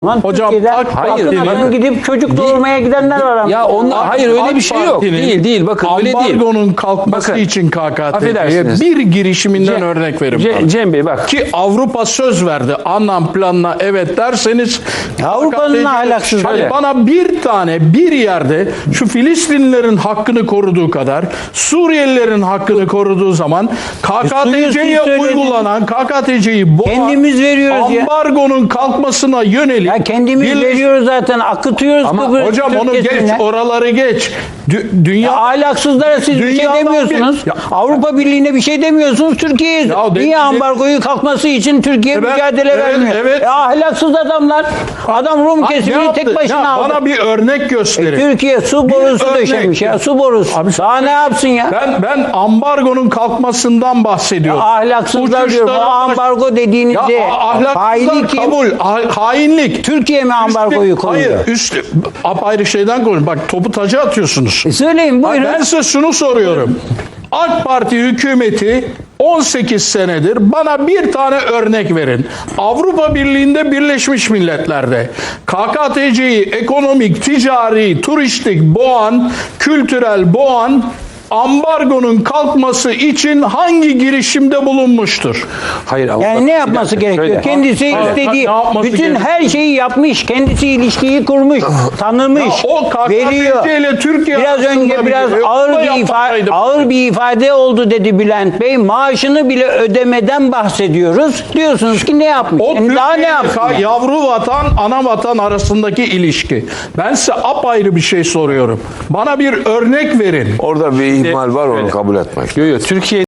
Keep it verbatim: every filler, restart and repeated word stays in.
Lan Hocam, Türkiye'den AK akın Parti'nin- akın gidip çocuk doğurmaya gidenler var. ama. Ya onlar hayır öyle AK bir şey yok. Parti'nin Değil değil bakın öyle değil. Ambargonun kalkması Bakın, için K K T C'ye affedersiniz. bir girişiminden Cem- örnek verin Ce- bana. Cem Bey bak. Ki Avrupa söz verdi. Anlam planına evet derseniz Avrupa'nın K K T C ahlaksızlığı. Hani bana bir tane bir yerde şu Filistinlilerin hakkını koruduğu kadar Suriyelilerin hakkını koruduğu zaman K K T C'ye suyu söylediniz. uygulanan K K T C'yi boğan Kendimiz veriyoruz ya. ambargonun kalkmasına yönelik Ya kendimiz bir- veriyoruz zaten, akıtıyoruz. Ama Kıbrıs Hocam onu geç, Türkiye'sine. oraları geç. Dü- dünya Ya ahlaksızlara siz bir şey Dünyadan demiyorsunuz. bir- Ya- Avrupa Birliği'ne bir şey demiyorsunuz. Türkiye'ye Ya de- niye de- ambargoyu kalkması için Türkiye Evet, mücadele evet, vermiyor? evet. E, ahlaksız adamlar. Adam Rum Ne kesimini yaptı? tek başına Ya aldı. bana bir örnek gösterin. Türkiye su Bir borusu örnek. döşemiş ya, su borusu. Abi- Daha ne yapsın ya? Ben ben ambargonun kalkmasından bahsediyorum. Ahlaksızlar diyor. Bu Uçuşlara baş- ambargo dediğinizde Ya a- ahlaksızlar faili kim? kabul, ha- hainlik. Türkiye mi ambargoyu Üstü- koyuyor? Hayır, üstü apayrı şeyden koyun. Bak topu taca atıyorsunuz. E söyleyin Bak, buyurun. ben size şunu soruyorum. AK Parti hükümeti on sekiz senedir bana bir tane örnek verin. Avrupa Birliği'nde Birleşmiş Milletler'de K K T C'yi ekonomik, ticari, turistik boğan, kültürel boğan ambargonun kalkması için hangi girişimde bulunmuştur? Hayır ama Yani bak, ne bir yapması dakika, gerekiyor? şöyle. Kendisi Hayır, istediği, ne yapması bütün gerekiyor? her şeyi yapmış. Kendisi ilişkiyi kurmuş, tanımış, Ya o K K T C veriyor. ile Türkiye Biraz arasında önce bir- biraz e, ağır o da bir ifade, yapmasaydı. ağır bir ifade oldu dedi Bülent Bey. Maaşını bile ödemeden bahsediyoruz. Diyorsunuz ki ne yapmış? O Yani daha ne Türkiye ile yapsın? ka- yavru vatan, ana vatan arasındaki ilişki. Ben size apayrı bir şey soruyorum. Bana bir örnek verin. Orada bir ihmal var, onu kabul etmek. Yo yo Türkiye